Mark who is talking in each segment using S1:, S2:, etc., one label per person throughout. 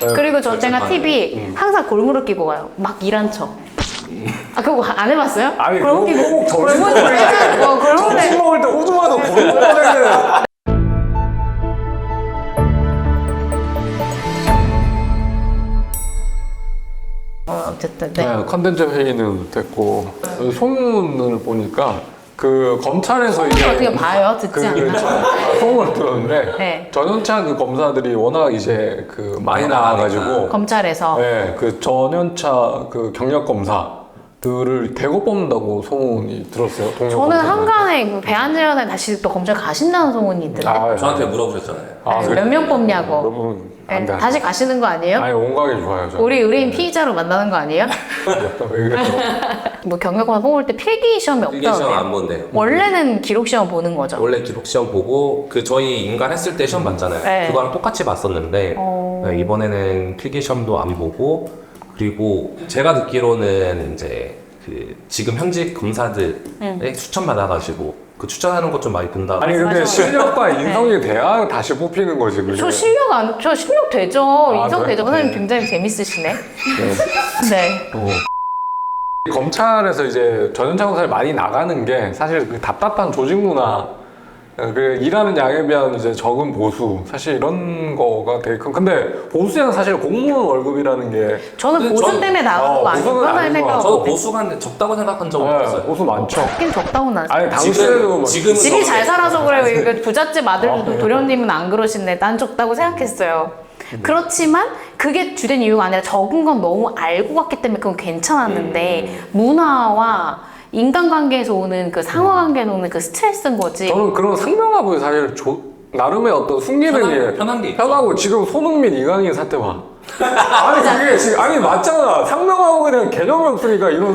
S1: 그리고 제가 팁이 항상 골무를 끼고 가요. 막 일한 척. 아, 그거 안 해봤어요?
S2: 아니
S1: 골무 끼고
S2: 꼭 점심
S1: 골무를
S2: 점심 먹을 때 호주마다 골목 꺼내는.
S1: 어쨌든
S2: 네, 컨텐츠 회의는 됐고 소문을 보니까 그 검찰에서 이제
S1: 어떻게 봐요? 듣지 않나?
S2: 소문을 들었는데
S1: 네.
S2: 전연차 그 검사들이 워낙 이제 그 많이 나와가지고
S1: 검찰에서
S2: 네, 그 전연차 그 경력 검사들을 대거 뽑는다고 소문이 들었어요. 동료
S1: 저는
S2: 검사들.
S1: 한간에 그 배한재연에 다시 또 검찰 가신다는 소문이 있던데
S2: 아,
S3: 저한테 물어보셨잖아요.
S2: 그래?
S1: 몇 명 뽑냐고.
S2: 여러분 안 돼.
S1: 다시 가시는 거 아니에요?
S2: 아니 온가게 좋아요. 저.
S1: 우리 의뢰인 피의자로 만나는 거 아니에요?
S2: 왜 그랬어?
S1: 뭐 경력고사 뽑을 때 필기 시험이
S3: 필기 시험
S1: 없다고
S3: 안 본대요.
S1: 원래는 기록 시험 보는 거죠.
S3: 원래 기록 시험 보고 그 저희 인간 했을 때 시험 봤잖아요.
S1: 네.
S3: 그거랑 똑같이 봤었는데 네, 이번에는 필기 시험도 안 보고 그리고 제가 듣기로는 이제 그 지금 현직 검사들의 추천 받아가지고 그 추천하는 것 좀 많이 본다.
S2: 아니 근데
S1: 맞아.
S2: 실력과 인성이 돼야 다시 뽑히는 거지. 그게.
S1: 저 실력 되죠. 인성
S2: 그래?
S1: 되죠. 선생님 굉장히 재밌으시네. 네.
S2: 검찰에서 이제 전연차 검사를 많이 나가는 게 사실 그 답답한 조직 문화, 그 일하는 양에 비한 이제 적은 보수, 사실 이런 거가 되게 큰. 근데 보수에는 사실 공무원 월급이라는 게
S1: 저는
S3: 근데
S1: 보수
S3: 저는-
S1: 때문에 나가는 거
S2: 보수는
S1: 아니구나
S2: 아닌 것
S1: 생각하고.
S3: 저도 보수가 적다고 생각한 적은 없어요.
S2: 보수 많죠.
S1: 하긴 적다고 나.
S2: 아니 당시에도 막
S3: 지금은
S1: 집이
S3: 저는-
S1: 잘 살아서 그래요. 이거 부잣집 아들도 도련님은 안 그러신데 난 적다고 생각했어요. 그렇지만 그게 주된 이유가 아니라 적은 건 너무 알고 갔기 때문에 그건 괜찮았는데 문화와 인간관계에서 오는 그 상호관계에서 오는 그 스트레스인 거지.
S2: 저는 그런 상명하고 사실 나름의 어떤 숨기는 게
S3: 편한 게 있죠.
S2: 편하고 지금 손흥민 이강인 사태 봐. 아니 그게 지금 아니 맞잖아. 상명하고 그냥 개념이 없으니까 이런.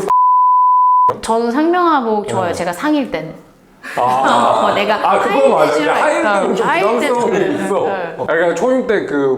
S1: 저는 상명하복 좋아요. 제가 상일 때는. 내가
S2: 그거 맞아. 하일 때는 좀
S1: 하일 때는
S2: 부담스러운 게 있어.
S1: 네.
S2: 그러니까 초임 때 그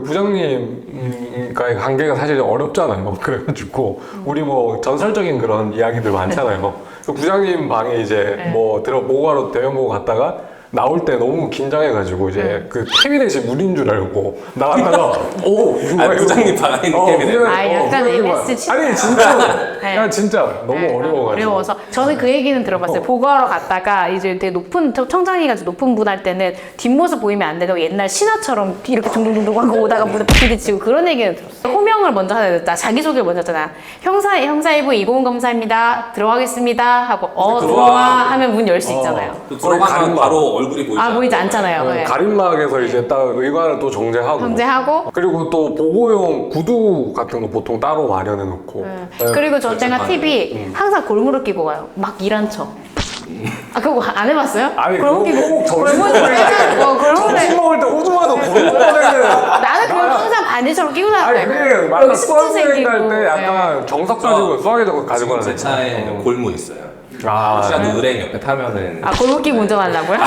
S2: 부장님과의 관계가 사실 어렵잖아요. 그래가지고 우리 뭐 전설적인 그런 이야기들 많잖아요. 그 부장님 방에 이제 뭐 모가로 대면 보고 갔다가 나올 때 너무 긴장해가지고 이제 그 캐비넷이 물인 줄 알고 나갔다가 오 누가
S3: 부장님 방에 있는 캐비넷.
S1: 약간 MS
S2: 아니 진짜
S1: 네.
S2: 야 진짜 너무 어려워가지고.
S1: 어려워서 저는 그 얘기는 들어봤어요. 보고하러 갔다가 이제 되게 높은 청장이가 높은 분 할 때는 뒷모습 보이면 안 되고 옛날 신하처럼 이렇게 둥둥둥둥 하고 오다가 무대 부딪히고 그런 얘기는 들었어요. 호명을 먼저 해야 됐다. 자기소개를 먼저 했잖아. 형사일부 이고은 검사입니다. 들어가겠습니다 하고 들어와 하면 문 열 수 있잖아요.
S3: 들어가면 바로 얼굴이 보이죠.
S1: 보이지 않잖아요. 네.
S2: 가림막에서 이제 딱 의관을 또 정제하고
S1: 정제하고
S2: 그리고 또 보고용 구두 같은 거 보통 따로 마련해 놓고
S1: 그리고 제가 팁이 항상 골무를 끼고 가요. 막 일한 척. 아, 그거 안 해봤어요?
S2: 아니
S1: 골무 끼고
S2: 꼭 점심
S1: 골무
S2: 먹을 때
S1: 골무를
S2: 점심 먹을 때 호주마다 골목 꺼내는
S1: 나는 그걸 항상 반지처럼 끼고
S2: 아니
S1: 다녀요.
S2: 그게 맞아
S1: 여기
S2: 수학
S1: 스트
S2: 여행
S1: 생기고.
S2: 갈때 약간 정석 가지고 수학에 가지고
S3: 지금 제
S2: 가는
S3: 차에 골무 있어요.
S2: 아
S3: 시간 의뢰인 옆에 타면은
S1: 아, 골무 끼고 운전하려고요?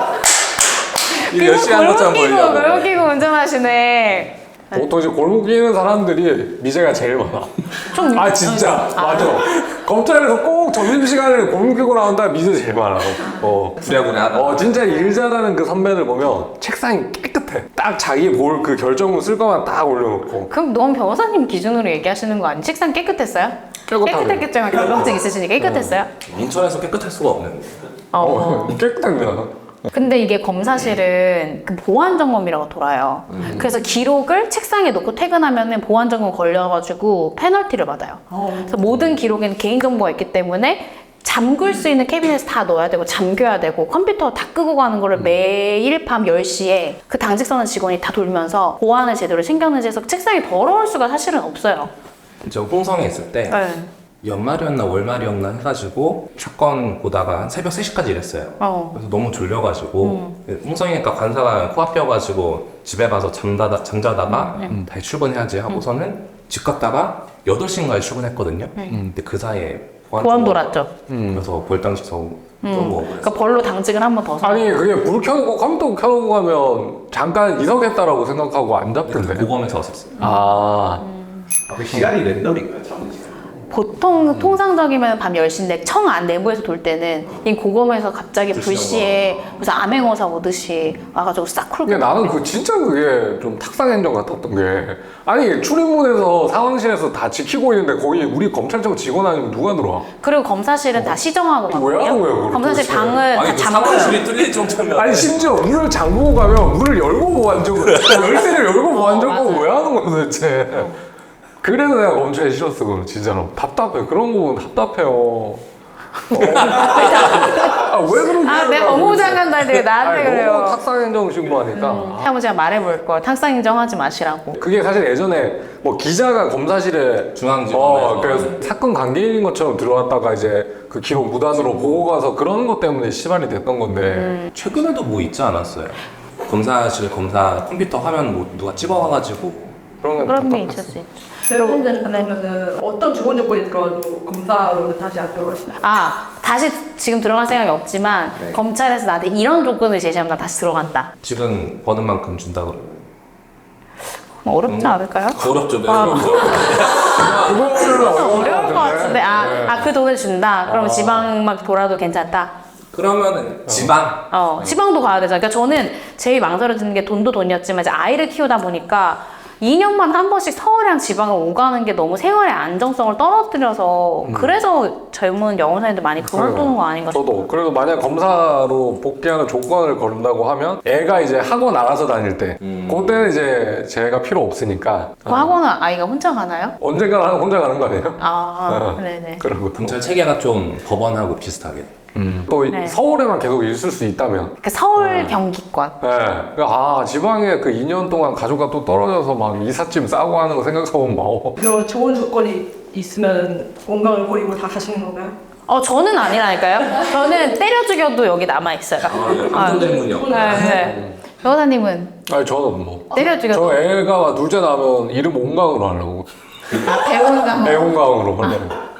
S3: 이거 열심히 하는 것처럼 보이려고.
S1: 골무 끼고 운전하시네.
S2: 보통 이제 골목 끼는 사람들이 미제가 제일 많아.
S1: 좀
S2: 아 진짜 맞아. 검찰에서 꼭 점심시간에 골목 끼고 나온다 미제 제일 많아.
S3: 부랴부랴하다.
S2: 진짜 일 잘하는 그 선배들 보면 책상이 깨끗해. 딱 자기 볼 그 결정문 쓸 거만 딱 올려놓고.
S1: 그럼 너무 변호사님 기준으로 얘기하시는 거 아니에요? 책상 깨끗했어요?
S2: 깨끗하네.
S1: 깨끗했겠지만 결정증 있으시니까 깨끗했어요?
S3: 인천에서 깨끗할 수가 없는.
S2: 깨끗합니다.
S1: 근데 이게 검사실은 그 보안 점검이라고 돌아요. 그래서 기록을 책상에 놓고 퇴근하면은 보안 점검 걸려가지고 페널티를 받아요. 그래서 모든 기록에는 개인 정보가 있기 때문에 잠글 수 있는 캐비넷에 다 넣어야 되고 잠겨야 되고 컴퓨터 다 끄고 가는 거를 매일 밤 10시에 그 당직 서는 직원이 다 돌면서 보안을 제대로 신경을 해서 책상이 더러울 수가 사실은 없어요.
S3: 저 홍성에 있을 때 연말이었나 월말이었나 해가지고 사건 보다가 한 새벽 3시까지 일했어요. 그래서 너무 졸려가지고 홍성이니까 관사가 코앞이어가지고 집에 가서 잠자다가 다시 출근해야지 하고서는 집 갔다가 8시인가에 출근했거든요. 근데 그 사이에
S1: 보안 돌았죠.
S3: 그래서 벌당시서 너무
S1: 그러니까 벌로 당직을 한 번 더 서.
S2: 아니 그게 불 켜놓고 컴퓨터 켜놓고 가면 잠깐 이석했다라고 생각하고 안 잡던데.
S3: 고검에서 왔었어요.
S2: 아
S3: 그 시간이 랜덤인가요?
S1: 보통 통상적이면 밤 10시인데 청 안 내부에서 돌 때는 이 고검에서 갑자기 불시에 무슨 암행어사 오듯이 와가지고 싹 쿨.
S2: 근데 나는 그 진짜 그게 좀 탁상행정 같았던 게 아니 출입문에서 상황실에서 다 지키고 있는데 거기 우리 검찰청 직원 아니면 누가 들어와?
S1: 그리고 검사실은 다 시정하고
S2: 왜 하는 거예요, 그걸
S1: 검사실
S2: 도대체?
S1: 방을 다
S3: 아니 그
S1: 잠그고.
S3: 사무실이 뚫릴 정도면
S2: 아니 심지어 문을 잠그고 가면 문을 열고 보안 적고 열쇠를 열고 보안 적고 왜 하는 거야 도대체? 그래서 내가 검찰이 싫었어 그건 진짜로 답답해 그런 거 보면 답답해요. 왜 그런 거야?
S1: 내 법무부 장관 다니까 나한테 그래요.
S2: 너무 탁상행정 신고하니까.
S1: 한번 제가 말해볼 걸. 탁상인정하지 마시라고.
S2: 그게 사실 예전에 뭐 기자가 검사실에
S3: 중앙지검에서
S2: 그래서 사건 관계인인 것처럼 들어왔다가 이제 그 기록 무단으로 보고 가서 그런 것 때문에 시발이 됐던 건데
S3: 최근에도 뭐 있지 않았어요? 검사실 검사 컴퓨터 화면 뭐 누가 찍어와가지고
S1: 그런 게 있을 수 있죠.
S4: 대법원장님 그러면은 어떤 주건 조건이 들어가도 검사로는 다시 안 들어가시나요?
S1: 다시 지금 들어갈 생각이 없지만
S3: 네.
S1: 검찰에서 나한테 이런 조건을 제시하면 나 다시 들어간다.
S3: 지금 버는 만큼 준다 그러면
S1: 어렵지 않을까요?
S3: 어렵죠. 네.
S2: 그거는
S1: 어려울 것 같은데. 그 돈을 준다. 그럼 지방 막 돌아도 괜찮다.
S3: 그러면은 지방
S1: 지방도 가야 되잖아요. 그러니까 저는 제일 망설여지는 게 돈도 돈이었지만 이제 아이를 키우다 보니까 2년만 한 번씩 서울이랑 지방을 오가는 게 너무 생활의 안정성을 떨어뜨려서 그래서 젊은 영어사님들 많이 그만두는 거 아닌가 싶어요.
S2: 저도 그래서 만약 검사로 복귀하는 조건을 걸린다고 하면 애가 이제 학원 알아서 다닐 때 그때는 이제 제가 필요 없으니까
S1: 그 학원은 아이가 혼자 가나요?
S2: 언젠가 혼자 가는 거 아니에요?
S1: 네네.
S2: 그런 것도
S3: 검찰 체계가 좀 법원하고 비슷하게
S2: 또
S1: 네.
S2: 서울에만 계속 있을 수 있다면
S1: 그 서울 경기권.
S2: 네. 그러니까 지방에 그 2년 동안 가족과 또 떨어져서 막 이삿짐 싸고 하는 거 생각해보면 막
S4: 그런 좋은 조건이 있으면 건강을 버리고 다 가시는 건가요?
S1: 저는 아니라니까요. 저는 때려 죽여도 여기 남아 있어요.
S3: 안전대문이요.
S1: 네. 변호사님은
S2: 아니 저는 뭐
S1: 때려 죽여도
S2: 저 애가 둘째 나면 이름 온강으로 하려고
S1: 배우가
S2: 애온강으로 하려고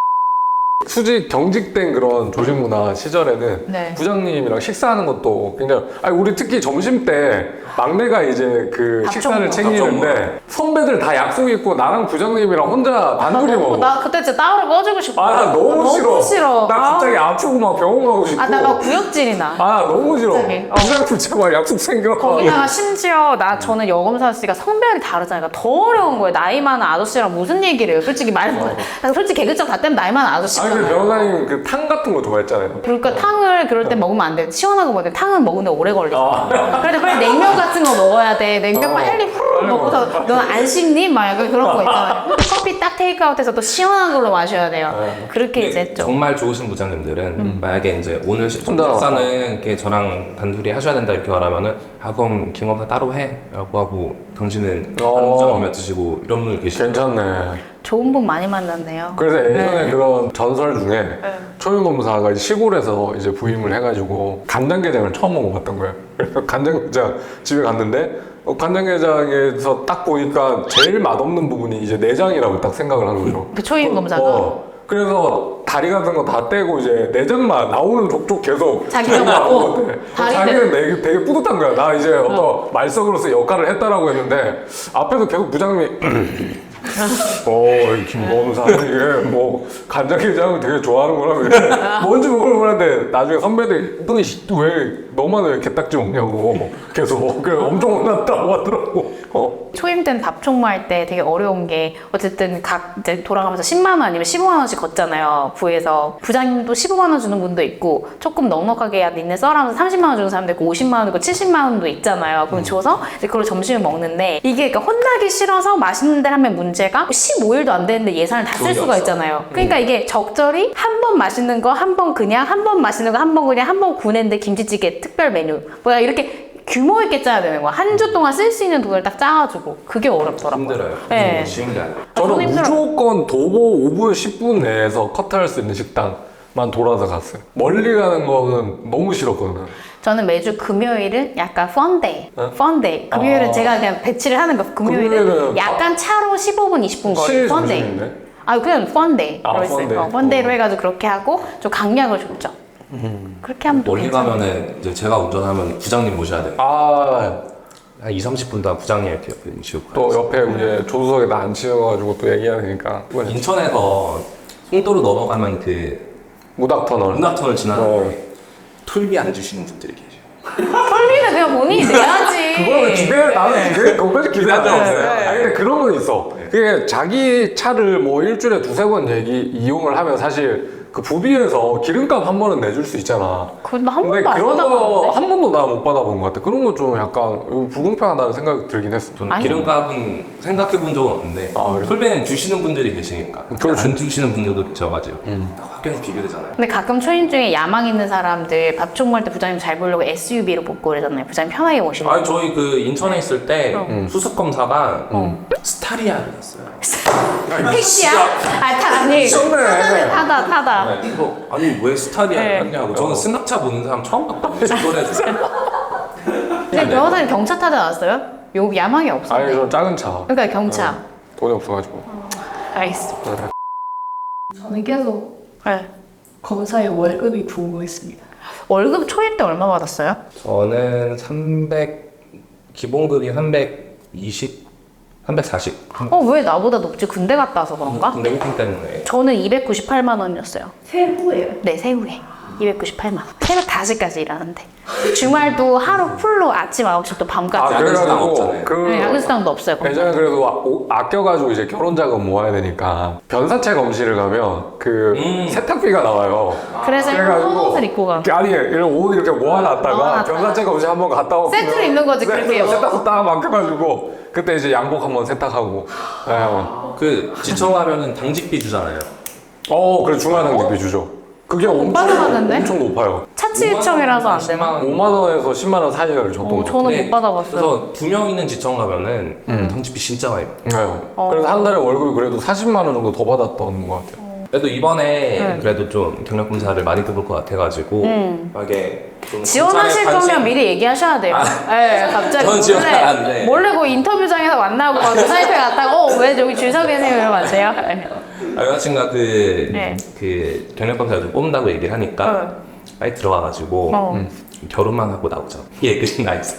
S2: 수직 경직된 그런 조직문화 시절에는
S1: 네.
S2: 부장님이랑 식사하는 것도 굉장히 우리 특히 점심 때 막내가 이제 그 식사를 챙기는데 선배들 다 약속 있고 나랑 부장님이랑 혼자 단둘이 먹어.
S1: 나 그때 진짜 따로 꺼주고 싶어.
S2: 나 너무 싫어. 나 갑자기 아프고 막 병원 가고 싶고.
S1: 나 막 구역질이 나.
S2: 너무 싫어.
S1: 갑자기.
S2: 부장님 제발 약속 생겨.
S1: 거기다가 심지어 저는 여검사 씨가 성별이 다르잖아요. 그러니까 더 어려운 거예요. 나이 많은 아저씨랑 무슨 얘기를 해요. 솔직히 말해서. 솔직히 개그적 다 때문에 나이 많은 아저씨잖아요.
S2: 근데 변호사님 그 탕 같은 거 좋아했잖아요.
S1: 그러니까 탕을 그럴 때 먹으면 안 돼. 시원하고 먹어야 돼. 탕은 먹는데 오래 걸리잖아. 그래도 빨리 냉면 같은 거 먹어야 돼. 냉면 빨리 후루룩 먹고서 넌 안 씹니? 막 약간 그런 거 있잖아요. 커피 딱 테이크아웃해서 또 시원한 걸로 마셔야 돼요. 그렇게 이제 했죠.
S3: 정말 좋으신 부장님들은 만약에 이제 오늘
S2: 혼자
S3: 식사는 이렇게 저랑 단둘이 하셔야 된다 이렇게 말하면은 그럼 김검사 따로 해라고 하고 당신은 다른 부장 오면 드시고 이런 분들 계시죠.
S2: 괜찮네.
S1: 좋은 분 많이 만났네요.
S2: 그래서 예전에 그런 전설 중에 초윤 검사가 시골에서 이제 부임을 해가지고 간장게장을 처음 먹어봤던 거예요. 그래서 간장게장 집에 갔는데 간장게장에서 딱 보니까 제일 맛없는 부분이 이제 내장이라고 딱 생각을 한 거죠.
S1: 그 초임 검사가.
S2: 그래서 다리 같은 거 다 떼고 이제 내장만 나오는 족족 계속
S1: 자기가 먹고
S2: 자기는 되게 뿌듯한 거야. 나 이제 어떤 말석으로서 역할을 했다라고 했는데 앞에서 계속 부장님이 김검사 이게 뭐 간장게장을 되게 좋아하는구나. 뭔지 모르는데 나중에 선배들이 너는 왜 너만 왜 게딱지 먹냐고 계속 그래 엄청 혼났다고 하더라고.
S1: 초임 때는 답총무할 때 되게 어려운 게 어쨌든 각 이제 돌아가면서 10만 원 아니면 15만 원씩 걷잖아요. 부에서 부장님도 15만 원 주는 분도 있고 조금 넉넉하게 야 니네 써라면서 30만 원 주는 사람도 있고 50만 원 있고 70만 원도 있잖아요. 그럼 줘서 이제 그걸 점심을 먹는데 이게 그러니까 혼나기 싫어서 맛있는 데를 하면 문제가 15일도 안 되는데 예산을 다 쓸 수가 있잖아요. 그러니까 이게 적절히 한 번 맛있는 거 한 번 그냥 한 번 맛있는 거 한 번 그냥 한 번 구내인데 김치찌개 특별 메뉴 뭐야 이렇게 규모 있게 짜야 되는 거야. 한 주 동안 쓸 수 있는 돈을 딱 짜가지고 그게 어렵더라고요.
S3: 힘들어요.
S1: 네.
S3: 쉬운 게 아니에요.
S2: 저는
S1: 힘들어요.
S2: 무조건 도보 5분 10분 내에서 커트할 수 있는 식당만 돌아서 갔어요. 멀리 가는 거는 너무 싫었거든요.
S1: 저는 매주 금요일은 약간 펀데이. 펀데이. 금요일은 제가 그냥 배치를 하는 거. 금요일은
S2: 금요일은
S1: 약간 차로 15분, 20분 거리. 펀데이.
S2: 점심인데?
S1: 그냥 펀데이.
S2: 펀데이.
S1: 펀데이로 해가지고 그렇게 하고 좀 강약을 줬죠. 그렇게 하면 또
S3: 멀리
S1: 괜찮아요.
S3: 가면은 이제 제가 운전하면 부장님 모셔야 돼요. 한 2, 30분 동안 부장님 이렇게 옆에 계시고
S2: 또 옆에 이제 조수석에 나 앉히셔가지고 또 얘기해야 되니까.
S3: 인천에서 송도로 넘어가면 그
S2: 무닥터널.
S3: 문학터널 지나는데 툴비 안 주시는 분들이 계세요.
S1: 털리는 그냥 본인이 내야지.
S2: 그거는 기대 나는 그거까지 기대한 적 없어요.
S1: 네.
S2: 아니 근데 그런 건 있어. 그게 자기 차를 뭐 일주일에 두세 번 이용을 하면 사실 그 부비에서 기름값 한 번은 내줄 수 있잖아.
S1: 근데 한
S2: 근데
S1: 번도 안
S2: 그런 거
S1: 받아봤는데.
S2: 한 번도 나 못 받아본 것 같아. 그런 거 좀 약간 불공평하다는 생각이 들긴 했어.
S3: 저는
S1: 아니.
S3: 기름값은 생각해 본 적은 없는데
S2: 아, 그래?
S3: 톨베는 주시는 분들이 계시니까
S2: 그렇지.
S3: 안 주시는 분들도 계셔가지고 확연히 비교되잖아요.
S1: 근데 가끔 초임 중에 야망 있는 사람들 밥총 먹을 때 부장님 잘 보려고 SUV로 뽑고 그러잖아요. 부장님 편하게 모시려고.
S3: 아니 저희 그 인천에 있을 때 수습 검사가 스타리아를 샀어요.
S1: 택시야? 아니
S2: 미쳤네.
S1: 타다.
S3: 이거 아니 왜 스타리아를
S1: 네.
S3: 샀냐고. 저는 승합차 보는 사람 처음 봤거든요. 직원에서.
S1: 근데 변호사님 경차 타지 않았어요? 요 야망이
S2: 아니
S1: 없었네.
S2: 저 작은 차.
S1: 그러니까 경차.
S2: 돈이 없어가지고.
S1: 알겠습니다.
S4: 저는 계속
S1: 네.
S4: 검사의 월급이 궁금했습니다.
S1: 월급 초임 때 얼마 받았어요?
S3: 저는 300 기본급이 320, 340.
S1: 왜 나보다 높지? 군대 갔다 와서 그런가?
S3: 근데 호핑 때문에
S1: 저는 298만 원이었어요.
S4: 세후예요.
S1: 네, 새우에 298만 원. 새벽 5시까지 일하는데 주말도 하루 풀로 아침 9시부터 밤까지.
S3: 야근 수당
S2: 그래가지고
S3: 없잖아요.
S2: 그
S1: 네, 야근수당도 없어요. 거기.
S2: 예전에 그래도 아껴가지고 이제 결혼 자금 모아야 되니까 변사체 검실을 가면 그 세탁비가 나와요.
S1: 그래서 옷을 입고 가.
S2: 아니 이런 옷 이렇게 모아놨다가
S1: 모아놨다가.
S2: 변사체 검실 한번 갔다 오면
S1: 세트로 입는 거지, 그렇게.
S2: 세탁소 딱 맡겨가지고 그때 이제 양복 한번 세탁하고.
S3: 그 지청하면은 당직비 주잖아요.
S2: 그래 중간당직비 주죠. 그게 엄청
S1: 받아봤는데?
S2: 엄청 높아요.
S1: 차치지청이라서 안 되나?
S2: 5만 원에서 10만 원 사이를 줬던 거.
S1: 저는 못 받아봤어요.
S3: 그래서 2명 있는 지청 가면은 당직비 진짜 많이 받아요.
S2: 네. 그래서 한 달에 월급이 그래도 40만 원 정도 더 받았던 것 같아요.
S3: 그래도 이번에 그래도 좀 경력 검사를 많이 해볼 것 같아가지고 만약에 좀
S1: 지원하실
S3: 검찰에
S1: 거면 미리 얘기하셔야 돼요. 네, 갑자기
S3: 저는 지원 안 돼.
S1: 몰래 그 인터뷰장에서 만나고 막 사이트에 갔다가 왜 저기 줄 서 계세요 이러면 안 돼요? 네.
S3: 여자친구가
S1: 네.
S3: 그 경력 검사를 뽑는다고 얘기를 하니까 빨리 들어와가지고 결혼만 하고 나오자. 예, 그신 나이스.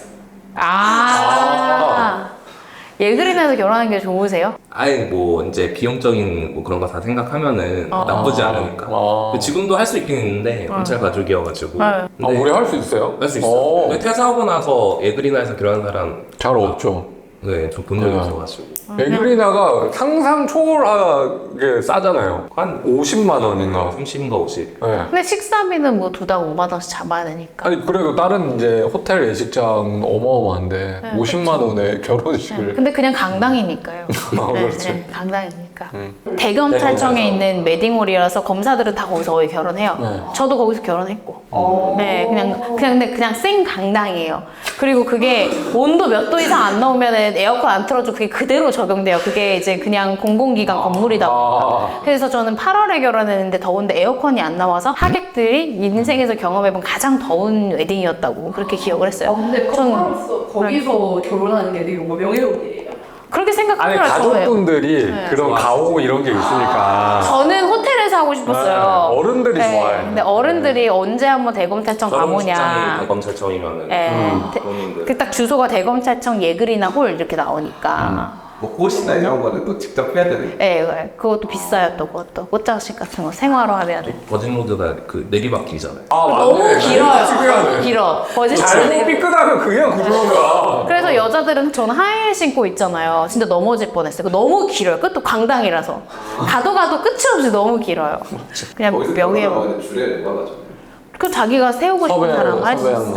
S1: 예그린에서 결혼하는 게 좋으세요?
S3: 아니 뭐 이제 비용적인 뭐 그런 거 다 생각하면은 나쁘지 않으니까. 지금도 할 수 있긴 있는데 검찰 가족이어가지고.
S1: 네.
S3: 근데
S2: 우리 할 수 있어요?
S3: 할 수 있어. 근데 퇴사하고 나서 에그리나에서 결혼한 사람
S2: 잘 없죠.
S3: 네, 저 본 적이 없어가지고.
S2: 에그리나가 상상 초월하게 싸잖아요.
S3: 한
S2: 50만 원인가.
S3: 30인가 50.
S2: 네.
S1: 근데 식사비는 뭐 두당 5만 원씩 잡아야 되니까.
S2: 아니 그래도 다른 이제 호텔 예식장 어마어마한데
S1: 네,
S2: 50만 원에 결혼식을.
S1: 근데 그냥 강당이니까요.
S2: 그렇지.
S1: 강당이니까. 대검찰청에 있는 웨딩홀이라서 검사들은 다 거기서 거의 결혼해요.
S2: 네.
S1: 저도 거기서 결혼했고. 네, 그냥 생 강당이에요. 그리고 그게 온도 몇 도 이상 안 나오면 에어컨 안 틀어도 그게 그대로 적용돼요. 그게 이제 그냥 공공기관 건물이다 보니까. 그래서 저는 8월에 결혼했는데 더운데 에어컨이 안 나와서 하객들이 인생에서 경험해본 가장 더운 웨딩이었다고 그렇게 기억을 했어요.
S4: 근데
S1: 저는
S4: 커플로서 거기서 결혼하는 게 되게 뭔가 명예롭이에요.
S1: 그렇게
S2: 아니
S1: 생각하더라고요.
S2: 가족분들이 그런 가오 이런 게 있으니까.
S1: 저는 호텔에서 하고 싶었어요.
S2: 네, 어른들이 좋아해.
S1: 근데 어른들이 언제 한번 대검찰청
S3: 결혼식장이
S1: 가보냐.
S3: 대검찰청이면은 본인들
S1: 그 딱 주소가 대검찰청 예그리나 홀 이렇게 나오니까.
S3: 뭐 꽃이나 이런 거는 또 직접 해야 되는.
S1: 네, 그것도 비싸요 또 그것도. 꽃장식 같은 거 생화로 하면 돼.
S3: 버진로드가 그 내리막길이잖아요.
S1: 너무 길어요.
S2: 특이하네.
S1: 길어. 버짓
S2: 잘못 삐끗하면 그냥 구조가.
S1: 그래서 여자들은 저는 하이힐 신고 있잖아요. 진짜 넘어질 뻔했어요. 너무 길어요. 끝도 강당이라서. 가도 끝이 없이 너무 길어요. 그냥 명예.
S3: 줄에 누가 가죠?
S1: 그 자기가 세우고 싶은 사람 할 수 있어요.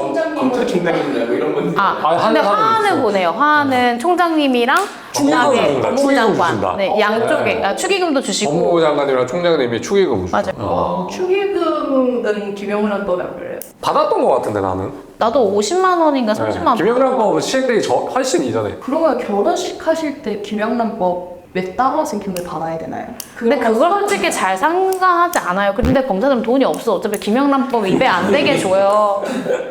S3: 검찰총장님이나 뭐 이런 분.
S1: 근데 화환을 보내요. 화환은 총장님이랑 그다음에 법무부 장관, 네, 양쪽에 축의금도 주시고.
S2: 법무부 장관이랑 총장님이 축의금 주죠.
S1: 맞아요.
S4: 축의금은 김영란법에 안 걸려요.
S2: 받았던 것 같은데 나는.
S1: 나도 50만 원인가 30만 원.
S2: 김영란법 시행되기 훨씬 이전에.
S4: 그러면 결혼식 하실 때 김영란법에 따라서 기금을 받아야 되나요?
S1: 근데 그걸 솔직히 잘 상관하지 않아요. 근데 검사들은 돈이 없어. 어차피 김영란법 위배 안 되게 줘요.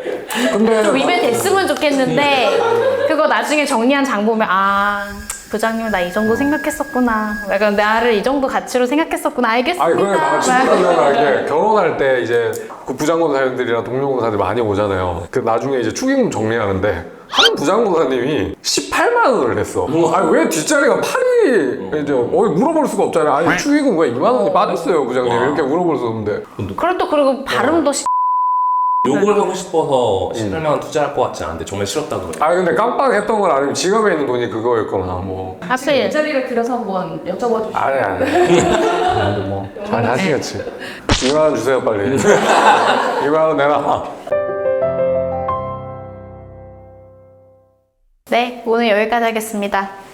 S2: 근데
S1: 좀 위배 됐으면 좋겠는데 그거 나중에 정리한 장 보면 부장님 나 이 정도 생각했었구나. 약간 나를 이 정도 가치로 생각했었구나. 알겠습니다.
S2: 아니 그래 나 진짜 생각나게 결혼할 때 이제 그 부장검사님들이랑 동료검사들 많이 오잖아요. 그 나중에 이제 축의금 정리하는데 한 부장보사님이 18만 원을 냈어. 아니 왜 뒷자리가 8이 이제 물어볼 수가 없잖아요. 아니 축의금 왜 2만 원이 빠졌어요 부장님 이렇게 물어볼 수 없는데.
S1: 그리고 발음도
S3: 욕을 하고 싶어서 18만 원 투자할 것 같지 않은데 정말 싫었다 그래.
S2: 아 근데 깜빡했던 건 아니면 지갑에 있는 돈이 그거였거나 뭐.
S1: 하필
S4: 일자리를 그려서 한번 여쭤봐 주시죠.
S2: 아니 뭐잘 하시겠지. 2만 원 주세요 빨리. 2만 원 내놔.
S1: 네, 오늘 여기까지 하겠습니다.